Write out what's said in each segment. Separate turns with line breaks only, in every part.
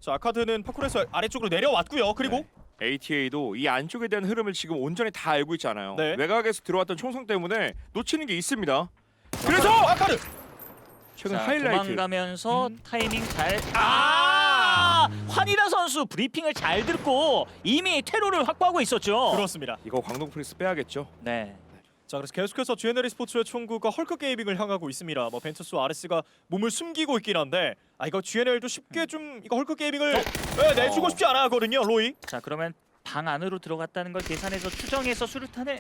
자, 아카드는 파쿠에서 아래쪽으로 내려왔고요. 그리고
ATA도 이 안쪽에 대한 흐름을 지금 온전히 다 알고 있잖아요.
네.
외곽에서 들어왔던 총성 때문에 놓치는 게 있습니다. 그래서
아카드
최근
자,
하이라이트
도망가면서 타이밍 잘. 환희다 선수 브리핑을 잘 듣고 이미 퇴로를 확보하고 있었죠.
그렇습니다.
이거 광동 프리스 빼야겠죠.
네.
자, 그래서 계속해서 GNL 스포츠의 총구가 헐크 게이밍을 향하고 있습니다. 뭐 벤투스와 아레스가 몸을 숨기고 있긴 한데 이거 GNL도 쉽게 좀 이거 헐크 게이밍을 내주고 싶지 않아 하거든요. 로이.
자, 그러면 방 안으로 들어갔다는 걸 계산해서 추정해서 수류탄을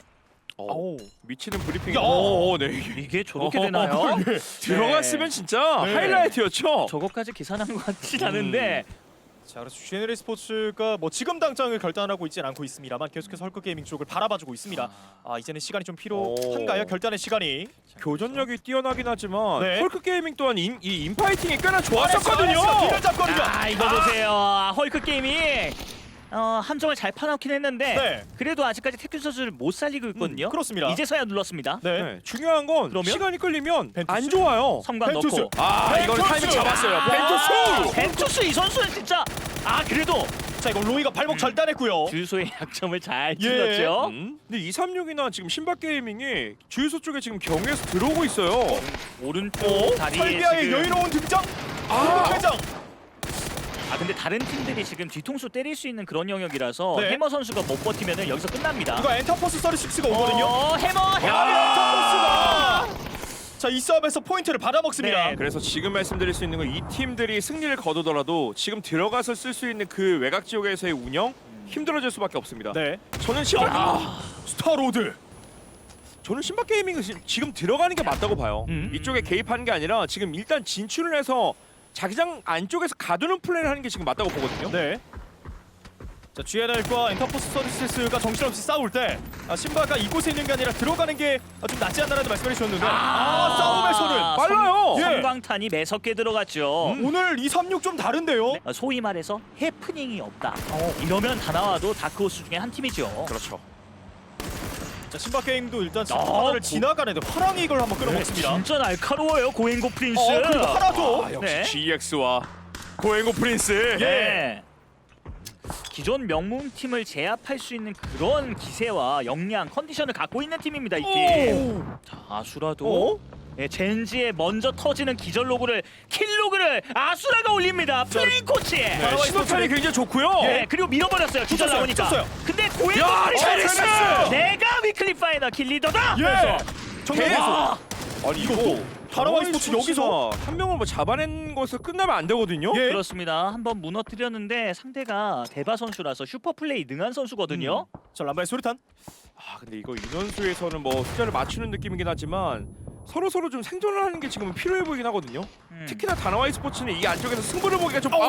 미치는 브리핑이.
야!
네.
이게 저렇게 되나요?
들어갔으면 진짜
네.
하이라이트였죠.
저거까지 계산한 것 같진 않은데.
자, 그래서 GNL 스포츠가 뭐 지금 당장을 결단하고 있진 않고 있습니다만 계속해서 헐크 게이밍 쪽을 바라봐주고 있습니다. 이제는 시간이 좀 필요한가요? 결단의 시간이.
교전력이 뛰어나긴 하지만
네.
헐크 게이밍 또한 이 인파이팅이 꽤나 좋았었거든요.
뒤를 잡거든요.
이거 보세요. 헐크 게임이 함정을 잘 파놓긴 했는데
네.
그래도 아직까지 태균 선수를 못 살리고 있거든요.
그렇습니다.
이제서야 눌렀습니다.
네.
네, 중요한 건
그러면?
시간이 끌리면
벤투스?
안 좋아요.
성광
벤투스.
넣고.
이거는 타이밍 잡았어요. 벤투스.
벤투스 이 선수는 진짜 그래도
자, 이거 로이가 발목 잘 따냈고요.
주유소의 약점을 잘
예.
찔렀죠.
근데 236이나 지금 신박 게이밍이 주유소 쪽에 지금 경유해서 들어오고 있어요.
오른쪽 다리에
설비아의
지금
여유로운 등장. 회장.
근데 다른 팀들이 지금 뒤통수 때릴 수 있는 그런 영역이라서
네.
해머 선수가 못 버티면 여기서 끝납니다.
이거 엔터포스 36가 오거든요.
해머
엔터포스가 자, 이 싸움에서 포인트를 받아먹습니다.
네.
그래서 지금 말씀드릴 수 있는 건 이 팀들이 승리를 거두더라도 지금 들어가서 쓸 수 있는 그 외곽 지역에서의 운영 힘들어질 수밖에 없습니다.
네.
저는 신박
스타로드.
저는 신박 게이밍은 지금 들어가는 게 맞다고 봐요. 이쪽에 개입하는 게 아니라 지금 일단 진출을 해서 자기장 안쪽에서 가두는 플레이를 하는 게 지금 맞다고 보거든요.
네. 자, GNL과 엔터포스 서비스가 정신없이 싸울 때 신바가 이곳에 있는 게 아니라 들어가는 게 좀 낫지 않나라는 말씀을 해주셨는데 싸움에서는
빨라요.
예.
성광탄이 매섭게 들어갔죠.
오늘 236 좀 다른데요.
소위 말해서 해프닝이 없다. 이러면 다 나와도 다크호스 중에 한 팀이죠.
그렇죠.
자, 신바 게임도 일단 신바를 지나가는데 화랑이 이걸 한번 끌어먹습니다.
진짜 날카로워요 고행고 프린스.
그리고 하나도
역시
네.
GX와 고행고 프린스.
네. 기존 명문 팀을 제압할 수 있는 그런 기세와 역량, 컨디션을 갖고 있는 팀입니다 이 팀. 자, 아수라도 젠지의 먼저 터지는 기절 로그를 킬 로그를 아수라가 올립니다. 플레인 코치.
네, 신호탄이 굉장히 좋고요.
그리고 밀어버렸어요. 기절
붙였어요,
나오니까.
붙였어요.
근데 고행고
야,
프린스
잘했어!
내가 위클리 파이널 킬 리더다.
예. 정말
야!
아니
이것도 다라와이 스포츠 여기서
한 명을 뭐 잡아낸 것을 끝나면 안 되거든요.
예.
그렇습니다. 한번 무너뜨렸는데 상대가 대바 선수라서 슈퍼 플레이 능한 선수거든요.
자, 람바의 수류탄.
근데 이거 인원수에서는 뭐 숫자를 맞추는 느낌이긴 하지만 서로 좀 생존을 하는 게 지금 필요해 보이긴 하거든요. 특히나 다나와이 스포츠는 이 안쪽에서 승부를 보기가 좀.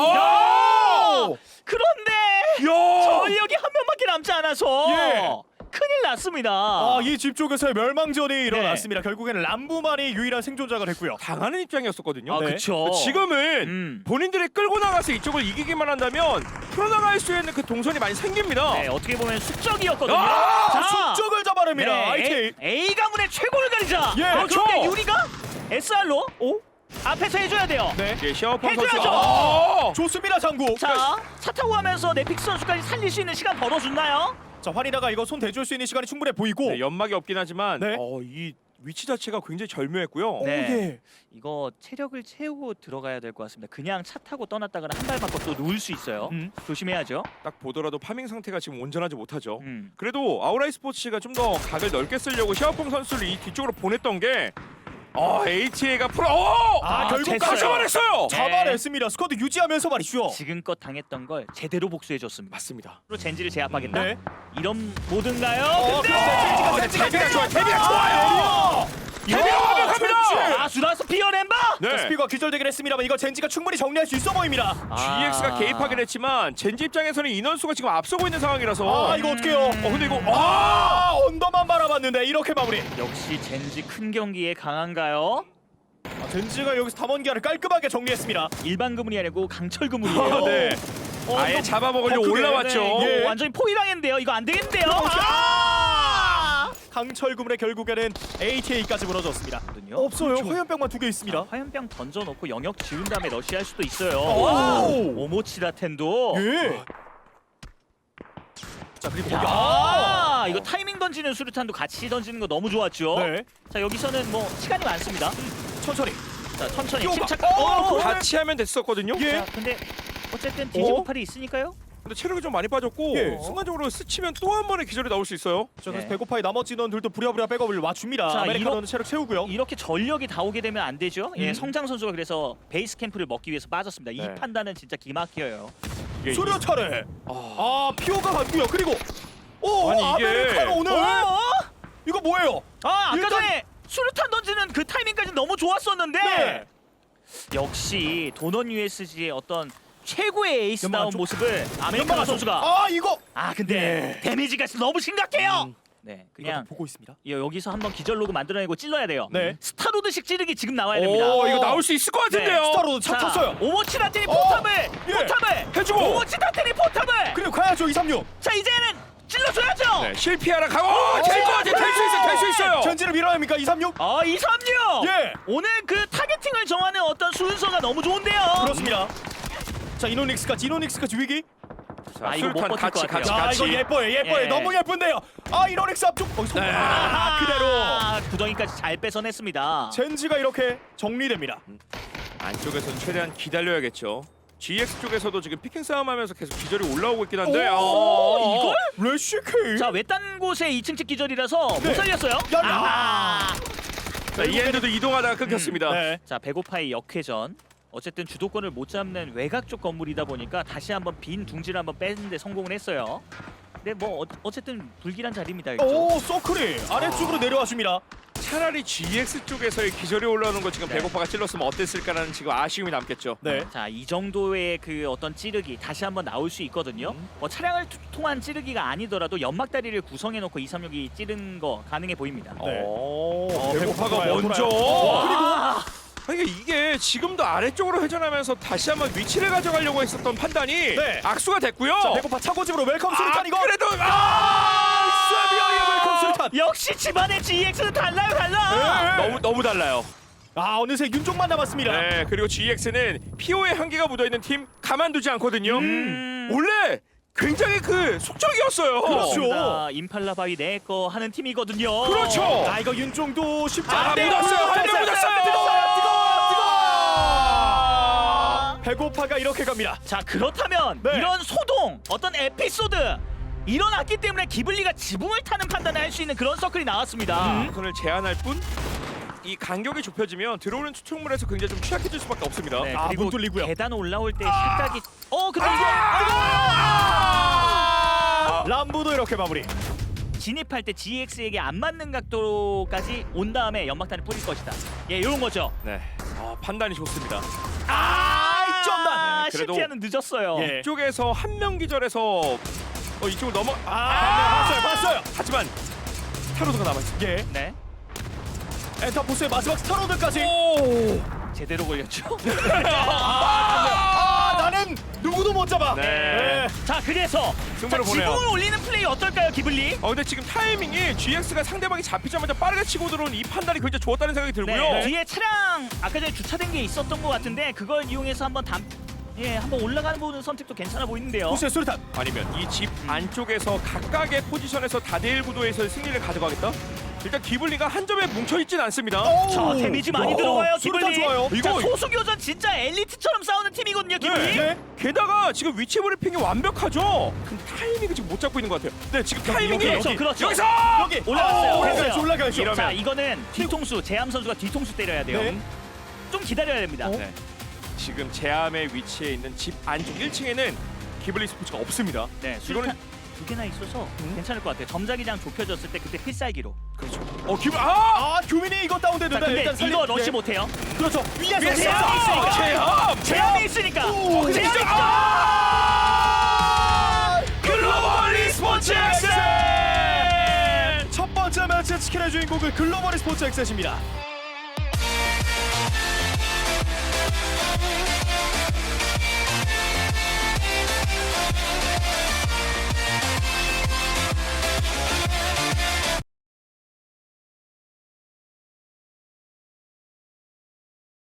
그런데
야!
전력이 한 명밖에 남지 않아서
예.
큰일 났습니다.
이 집 쪽에서의 멸망전이 일어났습니다. 결국에는 람부만이 유일한 생존자가 됐고요.
당하는 입장이었었거든요.
네.
그쵸.
지금은 본인들이 끌고 나가서 이쪽을 이기기만 한다면 풀어나갈 수 있는 그 동선이 많이 생깁니다.
네, 어떻게 보면 숙적이었거든요.
숙적을 잡아냅니다. IT.
A 가문의 최고를 가리자.
예,
그런데
그렇죠.
유리가 SR로 앞에서 해줘야 돼요.
네.
이게 샤오펑
해줘야죠.
선수.
좋습니다, 장구.
차 타고 가면서 넷픽스 선수까지 살릴 수 있는 시간 벌어줬나요?
자, 환희나가 이거 손 대줄 수 있는 시간이 충분해 보이고.
네, 연막이 없긴 하지만
네.
이 위치 자체가 굉장히 절묘했고요.
네.
예.
이거 체력을 채우고 들어가야 될 것 같습니다. 그냥 차 타고 떠났다가는 한 발 맞고 또 누울 수 있어요. 조심해야죠.
딱 보더라도 파밍 상태가 지금 온전하지 못하죠.
음.
그래도 아우라이 스포츠가 좀 더 각을 넓게 쓰려고 샤오펑 선수를 이 뒤쪽으로 보냈던 게 ATA가
결국
됐어요.
잡아냈어요.
잡아냈습니다. 스쿼드 유지하면서 말이죠.
지금껏 당했던 걸 제대로 복수해줬습니다.
맞습니다.
로 젠지를 제압하겠다.
네.
이런 모든가요?
근데 데뷔가 좋아요. 데뷔가 좋아요. 데뷔가 완벽합니다.
아수라스 피어낸바.
네.
스피가 기절되긴 했습니다만 이거 젠지가 충분히 정리할 수 있어 보입니다.
GX가 개입하긴 했지만 젠지 입장에서는 인원수가 지금 앞서고 있는 상황이라서
이거 어떡해요?
근데 이거
언더만 바라봤는데 이렇게 마무리.
역시 젠지 큰 경기에 강한가요?
젠지가 여기서 담원기아를 깔끔하게 정리했습니다.
일반 그물이 아니고 강철 그물이에요.
네. 아예 잡아먹으려고
그래요?
올라왔죠.
네, 이거
예.
완전히 포위당했는데요. 이거 안 되겠는데요.
강철구문에 결국에는 ATA까지 무너졌습니다. 없어요.
그렇죠.
화염병만 2개 있습니다.
화염병 던져놓고 영역 지운 다음에 러시할 수도 있어요.
오!
오모치라텐도.
예. 자 그리고 거기
이거 타이밍 던지는 수류탄도 같이 던지는 거 너무 좋았죠.
네.
자 여기서는 뭐 시간이 많습니다.
천천히.
자 천천히
뛰어가.
침착.
같이 하면 됐었거든요.
예.
자 근데 어쨌든 디지모팔이 있으니까요.
근데 체력이 좀 많이 빠졌고
예.
순간적으로 스치면 또 한 번의 기절이 나올 수 있어요.
자 그래서
네.
배고파의 나머지 인원들도 부랴부랴 백업을 와줍니다.
자,
아메리카노는 체력 채우고요.
이렇게 전력이 다 오게 되면 안 되죠. 예,
음.
성장 선수가 그래서 베이스 캠프를 먹기 위해서 빠졌습니다.
네.
이 판단은 진짜 기막혀요.
이게
수류탄에 피오가 갔고요. 그리고
아니, 이게-
아메리카노 오늘 이거 뭐예요?
아까
일단-
전에 수류탄 던지는 그 타이밍까지 너무 좋았었는데
네.
역시 도넌 USG의 어떤 최고의 에이스다운
연막 쪽-
모습을 아메리카노
연막
선수가
이거
근데 데미지가 너무 심각해요. 네, 그냥
보고 있습니다.
여기서 한번 기절 로그 만들어내고 찔러야 돼요.
네.
스타로드식 찌르기 지금 나와야 됩니다.
이거 나올 수 있을 것 같은데요.
스타로드 차 탔어요.
오모치라테니 포탑을
예.
해주고 오모치라테니 포탑을
그리고 가야죠 236.
자 이제는 찔러줘야죠.
네, 실패하라 가고 될 것 같아. 될 수 있어요.
전진을 밀어야 합니까 236?
236.
예.
오늘 그 타겟팅을 정하는 어떤 순서가 너무 좋은데요.
그렇습니다. 자 이노닉스까지 위기.
아, 이거 못
술탄
버틸 것 같아요.
이거 예뻐요.
예.
너무 예쁜데요. 이노닉스 앞쪽 거기서
네.
그대로
구덩이까지 잘 뺏어냈습니다.
젠지가 이렇게 정리됩니다.
안쪽에서는 최대한 기다려야겠죠. GX 쪽에서도 지금 피킹 싸움하면서 계속 기절이 올라오고 있긴 한데
이걸?
레시케이.
자 외딴 곳에 2층 집 기절이라서
네.
못 살렸어요.
야.
자, 이엔드도 이동하다가 끊겼습니다.
네.
자 배고파의 역회전. 어쨌든 주도권을 못 잡는 외곽 쪽 건물이다 보니까 다시 한번 빈 둥지를 한번 빼는데 성공을 했어요. 근데 뭐 어쨌든 불길한 자리입니다. 이쪽.
서클이 아래쪽으로 내려와 줍니다.
차라리 GX 쪽에서의 기절이 올라오는 거 지금
네.
배고파가 찔렀으면 어땠을까라는 지금 아쉬움이 남겠죠.
네.
자, 이 정도의 그 어떤 찌르기 다시 한번 나올 수 있거든요. 뭐 차량을 통한 찌르기가 아니더라도 연막다리를 구성해 놓고 236이 찌른 거 가능해 보입니다.
네.
배고파가
돌아요,
먼저.
돌아요.
그리고 이게 지금도 아래쪽으로 회전하면서 다시 한번 위치를 가져가려고 했었던 판단이
네.
악수가 됐고요.
자, 배고파 차고집으로 웰컴 수류탄 이거.
그래도
쇠비어의 웰컴 수류탄.
역시 집안의 GX는 달라.
네.
너무 달라요.
어느새 윤종만 남았습니다.
네, 그리고 GX는 PO의 한계가 묻어 있는 팀 가만두지 않거든요. 원래 굉장히 그 속적이었어요.
그렇죠.
임팔라 바위 내 거 하는 팀이거든요.
그렇죠.
이거 윤종도 쉽지
아,
않네요.
묻었어요. 한명 묻었어요.
뜨거워. 배고파가 이렇게 갑니다.
자, 그렇다면
네.
이런 소동, 어떤 에피소드 일어났기 때문에 기블리가 지붕을 타는 판단을 할 수 있는 그런 서클이 나왔습니다.
선을 제한할 뿐. 이 간격이 좁혀지면 들어오는 추측물에서 굉장히 좀 취약해질 수밖에 없습니다.
네,
문
그리고
뚫리고요.
계단 올라올 때 실각이 근데
람보도 이렇게 마무리.
이게 진입할 때 GX에게 안 맞는 각도까지 온 다음에 연막탄을 뿌릴 것이다. 예, 이런 거죠.
네, 판단이 좋습니다.
이점만.
네, 그래도-
실패는 늦었어요.
예.
이쪽에서 한 명 기절해서 이쪽으로 넘어.
봤어요.
하지만 타로드가 남아있어.
예.
네,
엔터포스의 마지막 스타로드까지.
제대로 걸렸죠.
나는 누구도 못 잡아.
네.
자, 그래서
승부를 보내요.
지붕을 올리는 플레이 어떨까요, 기블리?
근데 지금 타이밍이 GX가 상대방이 잡히자마자 빠르게 치고 들어온 이 판단이 굉장히 좋았다는 생각이 들고요.
네, 뒤에 차량 아까 전에 주차된 게 있었던 것 같은데 그걸 이용해서 한번 한번 올라가는 부분 선택도 괜찮아 보이는데요.
포스의 수류탄.
아니면 이 집 안쪽에서 각각의 포지션에서 다대일 구도에서 승리를 가져가겠다? 일단 기블리가 한 점에 뭉쳐있진 않습니다.
자, 데미지 많이 들어가요,
수류탄
기블리.
좋아요.
자,
이거-
소수교전 진짜 엘리트처럼 싸우는 팀이거든요, 기블리.
네.
게다가 지금 위치 브리핑이 완벽하죠. 근데 타이밍을 지금 못 잡고 있는 것 같아요. 네, 지금 타이밍이
그렇죠.
여기서
여기
올라갔어요.
올라가야죠. 올라가야죠.
이러면-
자, 이거는 뒤통수, 재암 선수가 뒤통수 때려야 돼요.
네.
좀 기다려야 됩니다.
네. 지금 제암의 위치에 있는 집 안쪽 1층에는 기블리 스포츠가 없습니다.
네, 수류탄 두 개나 있어서 괜찮을 것 같아요. 점자기장 좁혀졌을 때 그때 필살기로.
그렇죠.
규민이 이거
자,
다운됐는데
근데
일단
이거 러시
네.
못해요.
그렇죠. 위에서
위에서
있으니까.
제암!
재암이 있으니까.
오,
재암이
진짜-
있죠.
글로벌 e스포츠 엑센!
첫 번째 매치 치킨의 주인공은 글로벌 스포츠 엑셋입니다.